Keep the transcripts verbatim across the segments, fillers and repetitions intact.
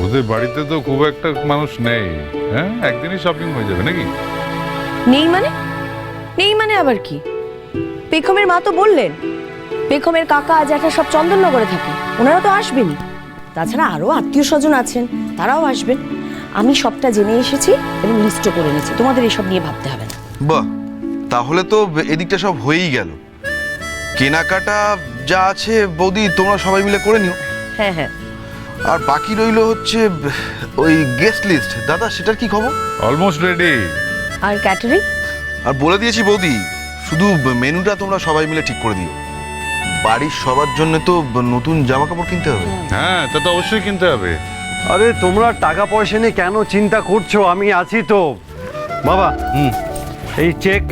ওদের বাড়িতে তো খুব একটা মানুষ নেই, হ্যাঁ একদিনই শপিং হয়ে যাবে নাকি? নেই মানে নেই মানে আবার কি? পেখমের মা তো বললেন পেখমের কাকা জ্যাঠা সব চন্দননগরে থাকে, ওনারা তো আসবেনই। তাছাড়া আরো আত্মীয় স্বজন আছেন, তারাও আসবেন। আমি সবটা জেনে এসেছি এবং লিস্টও করে নিয়েছি, তোমাদের এসব নিয়ে ভাবতে হবে না। বাহ, তাহলে তো এদিকটা সব হয়েই গেল। কেনাকাটা যা আছে বৌদি তোমরা সবাই মিলে করে নিও। হ্যাঁ হ্যাঁ। আর বাকি রইল হচ্ছে ওই গেস্ট লিস্ট। দাদা সেটার কি খবর? Almost ready. আর ক্যাটারিং? আর বলে দিয়েছি বৌদি, শুধু মেনুটা তোমরা সবাই মিলে ঠিক করে দিও। বাড়ির সবার জন্য তো নতুন জামা কাপড় কিনতে হবে। হ্যাঁ তা তো অবশ্যই কিনতে হবে। আরে তোমরা টাকা পয়সা নিয়ে কেন চিন্তা করছো, আমি আছি তো বাবা। হুম, এই চেক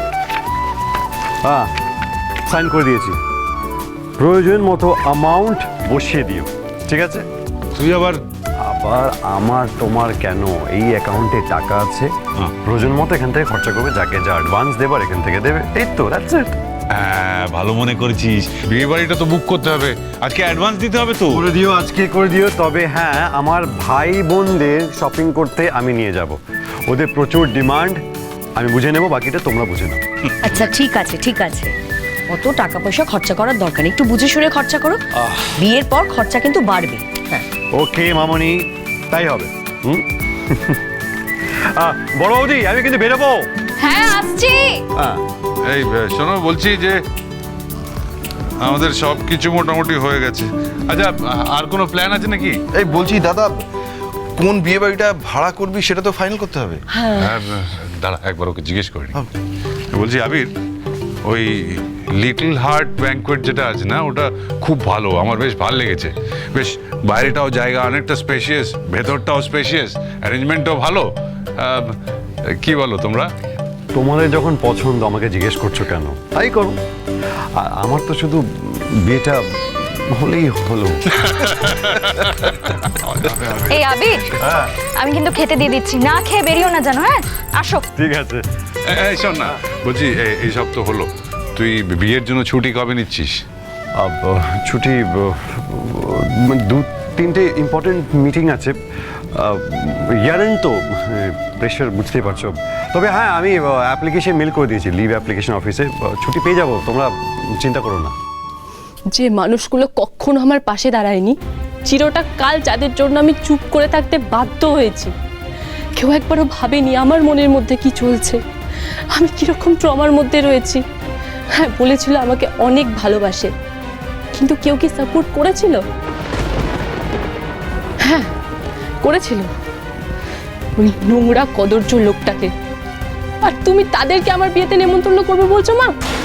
হ্যাঁ সাইন করে দিয়েছি, প্রয়োজন মতো অ্যামাউন্ট বসিয়ে দিও, ঠিক আছে? তুই আবার আবার আমার তোমার কেন, এই অ্যাকাউন্টে টাকা আছে, প্রয়োজন মতো এখান থেকে খরচা করবে, যাকে যা অ্যাডভান্স দেবার এখান থেকে দেবে, এই তো দ্যাটস ইট। হ্যাঁ ভালো মনে করেছিস, বিয়ে বাড়িটা তো বুক করতে হবে, আজকে অ্যাডভান্স দিতে হবে তো। করে দিও, আজকে করে দিও। তবে হ্যাঁ, আমার ভাই বোনদের শপিং করতে আমি নিয়ে যাব, ওদের প্রচুর ডিমান্ড, আমি বুঝে নেব, বাকিটা তোমরা বুঝে নাও। আচ্ছা ঠিক আছে ঠিক আছে, অত টাকা পয়সা খরচা করার দরকার নেই, একটু বুঝে শুনে খরচা করো। বিয়ের পর খরচা কিন্তু বাড়বে। হ্যাঁ ওকে মামনি, তাই হবে। হুম আহ, বড় বৌদি আমি কিন্তু বেরোবো। হ্যাঁ আসছি। হ্যাঁ এই শোনো, বলছি যে আমাদের সব কিছু মোটামুটি হয়ে গেছে। আচ্ছা আর কোনো প্ল্যান আছে নাকি? এই বলছি দাদা, কোন বিয়ে বাড়িটা ভাড়া করবি সেটা তো ফাইনাল করতে হবে। হ্যাঁ দাঁড়া একবার ওকে জিজ্ঞেস করিনি। বলছি আবির, ওই লিটল হার্ট ব্যাঙ্কোয়েট যেটা আছে না, ওটা খুব ভালো, আমার বেশ ভালো লেগেছে। বেশ বাইরেটাও জায়গা অনেকটা স্পেশিয়াস, ভেতরটাও স্পেশিয়াস, অ্যারেঞ্জমেন্টটাও ভালো। কি বলো তোমরা? তোমাদের যখন পছন্দ আমাকে জিজ্ঞেস করছো কেন, তাই করো। আর আমার তো শুধু বিয়েটা হলেই হলো। এই আবির, আমি কিন্তু খেতে দিয়ে দিচ্ছি, না খেয়ে বেরিও না জানো। হ্যাঁ আসো। ঠিক আছে। এই শোন না, বলছি এই সব তো হলো, তুই বিয়ের জন্য ছুটি কবে নিচ্ছিস? আব, ছুটি ব, মানে দু তিনটে ইম্পর্টেন্ট মিটিং আছে, ইয়ারেন তো প্রেশার বুঝতেই পারছো। তবে হ্যাঁ, আমি অ্যাপ্লিকেশন মেল করে দিয়েছি লিভ অ্যাপ্লিকেশন অফিসে, ছুটি পেয়ে যাবো, তোমরা চিন্তা করো না। যে মানুষগুলো কখনো আমার পাশে দাঁড়ায়নি, চিরটা কাল যাদের জন্য আমি চুপ করে থাকতে বাধ্য হয়েছি, কেউ একবারও ভাবেনি আমার মনের মধ্যে কি চলছে, আমি কিরকম ট্রমার মধ্যে রয়েছি। হ্যাঁ বলেছিল আমাকে অনেক ভালোবাসে, কিন্তু কেউ কি সাপোর্ট করেছিল? হ্যাঁ করেছিল, ওই নোংরা কদর্য লোকটাকে। আর তুমি তাদেরকে আমার বিয়েতে নেমন্তন্ন করবে বলছো মা?